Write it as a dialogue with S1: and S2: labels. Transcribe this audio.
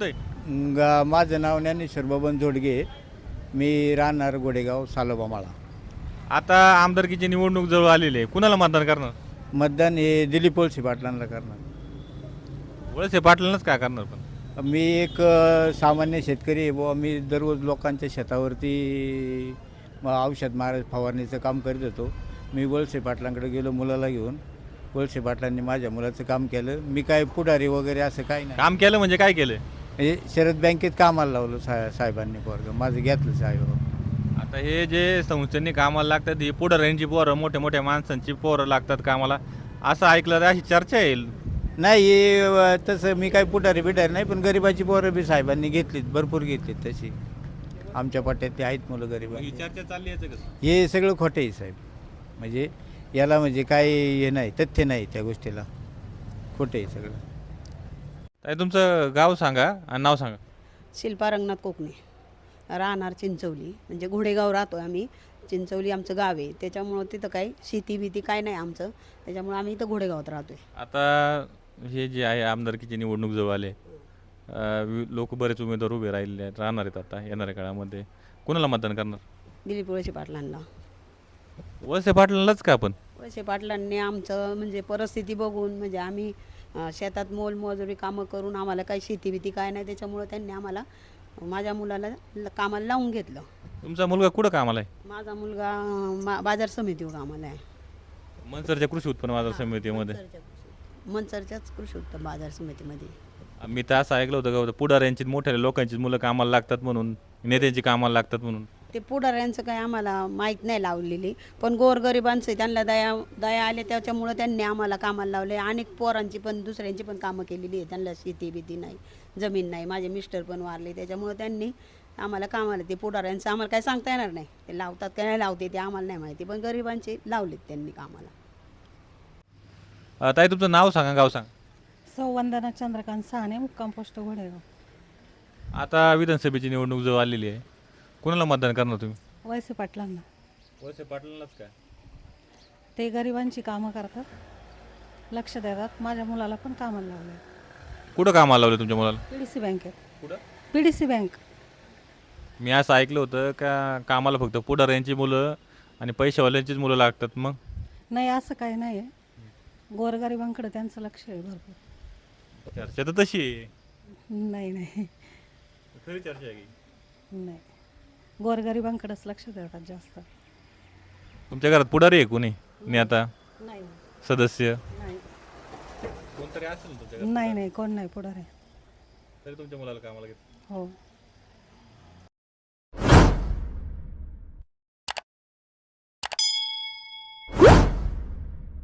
S1: तुमचं आहे?
S2: माझं नाव ज्ञानेश्वर बबन जोडगे. मी राहणार गोडेगाव सालोबामाळा.
S1: आता आमदारकीची निवडणूक जवळ आलेली आहे, कुणाला मतदान करणार?
S2: मतदान हे दिलीप वळसे पाटलांना करणार.
S1: वळसे पाटलांनाच काय करणार पण?
S2: मी एक सामान्य शेतकरी आहे बुवा. मी दररोज लोकांच्या शेतावरती औषध फवारणीचं काम करीत होतो. मी वळसे पाटलांकडे गेलो मुलाला घेऊन. वळसे पाटलांनी माझ्या मुलाचं काम केलं. मी काय पुढारी वगैरे असं काही नाही.
S1: काम केलं म्हणजे काय केलं?
S2: हे शरद बँकेत कामाला लावलं साहेबांनी पोरगं माझं घेतलं साहेब.
S1: आता हे जे संस्थांनी कामाला लागतात ही पुढाऱ्यांची पोरं, मोठ्या मोठ्या माणसांची पोरं लागतात कामाला, असं ऐकलं तर अशी चर्चा येईल.
S2: नाही हे तसं मी काही पुढारी नाही, पण गरिबाची पोरं बी साहेबांनी घेतलीत, भरपूर घेतलीत तशी. आमच्या पट्ट्यात ते आहेत मुलं गरीब.
S1: ही चर्चा चालली आहे कसं?
S2: हे सगळं खोटं आहे साहेब. म्हणजे याला म्हणजे काही हे नाही, तथ्य नाही त्या गोष्टीला. खोटं आहे सगळं.
S1: ताई तुमचं गाव सांगा आणि नाव सांगा.
S3: शिल्पा रंगनाथ कोकणे, राहणार चिंचवली. म्हणजे घोडेगाव राहतो आम्ही. चिंचवली आमचं गाव आहे, त्याच्यामुळं तिथं काही शेती भीती काय नाही आमचं, त्याच्यामुळं आम्ही इथं घोडेगावात राहतो आहे.
S1: आता हे जे आहे आमदारकीची निवडणूक जवळ आले, लोक बरेच उमेदवार उभे राहिले आहेत, राहणार आहेत आता येणाऱ्या काळामध्ये, कुणाला मतदान करणार?
S3: दिलीप वळसे पाटलांना.
S1: वळसे पाटलांनाच का आपण?
S3: वळसे पाटलांनी आमचं म्हणजे परिस्थिती बघून, म्हणजे आम्ही शेतात मोलमजुरी कामं करून आम्हाला काही शेती भीती काय नाही, त्याच्यामुळं त्यांनी आम्हाला माझ्या मुलाला कामाला लावून घेतलं.
S1: तुमचा मुलगा कुठं कामाला आहे?
S3: माझा मुलगा बाजार समितीवर कामाला आहे.
S1: मनसरच्या कृषी उत्पन्न बाजार समितीमध्ये.
S3: मनसरच्याच कृषी उत्पन्न बाजार समितीमध्ये.
S1: मी तर असं ऐकलं होतं का पुढाऱ्यांची, मोठ्या लोकांची मुलं कामाला लागतात म्हणून, नेत्यांची कामाला लागतात म्हणून.
S3: ते पुढाऱ्यांचं काही आम्हाला माहीत नाही लावलेली, पण गोरगरिबांचं त्यांना दया आले, त्याच्यामुळं त्यांनी आम्हाला कामाला लावले. अनेक पोरांची पण दुसऱ्यांची पण कामं केलेली आहे. त्यांना शेती भीती नाही, जमीन नाही. माझे मिस्टर पण वारले, त्याच्यामुळं त्यांनी आम्हाला कामाला, ते पुढाऱ्यांचं आम्हाला काय सांगता येणार नाही, ते लावतात का नाही लावते ते आम्हाला नाही माहिती, पण गरिबांचे लावलेत त्यांनी कामाला.
S1: ताई तुमचं नाव सांगा, गाव सांगा.
S4: वंदना चंद्रकांत साने, मुक्काम पोस्ट घोडेगाव.
S1: आता विधानसभेची निवडणूक जवळ आलेली आहे, कुणाला मतदान करणार तुम्ही?
S4: वळसे पाटलांना.
S1: वळसे पाटलांनाच काय?
S4: ते गरिबांची कामं करतात, लक्ष देतात. माझ्या मुलाला पण कामाला लावलं.
S1: कुठं कामाला लावलं तुमच्या मुलाला?
S4: PDC बँकेत.
S1: कुठं?
S4: PDC bank.
S1: मी असं ऐकलं होतं का कामाला फक्त पुढाऱ्यांची मुलं आणि पैशावाल्यांचीच मुलं लागतात. मग
S4: नाही, असं काही नाही आहे. गोरगरिबांकडे त्यांचं लक्ष आहे भरपूर.
S1: चर्चा तर तशी आहे.
S4: नाही नाही
S1: खरी चर्चा आहे की?
S4: नाही, गोरगरिबांकडेच लक्ष देतात जास्त.
S1: तुमच्या घरात पुढारी आहे कोणी नेता
S4: नाही
S1: सदस्य?
S4: नाही
S1: कोणतरी असेल तुमच्या घरात?
S4: नाही नाही, कोण नाही पुढारी.
S1: तरी तुमच्या मुलाला कामाला घेत?
S4: हो.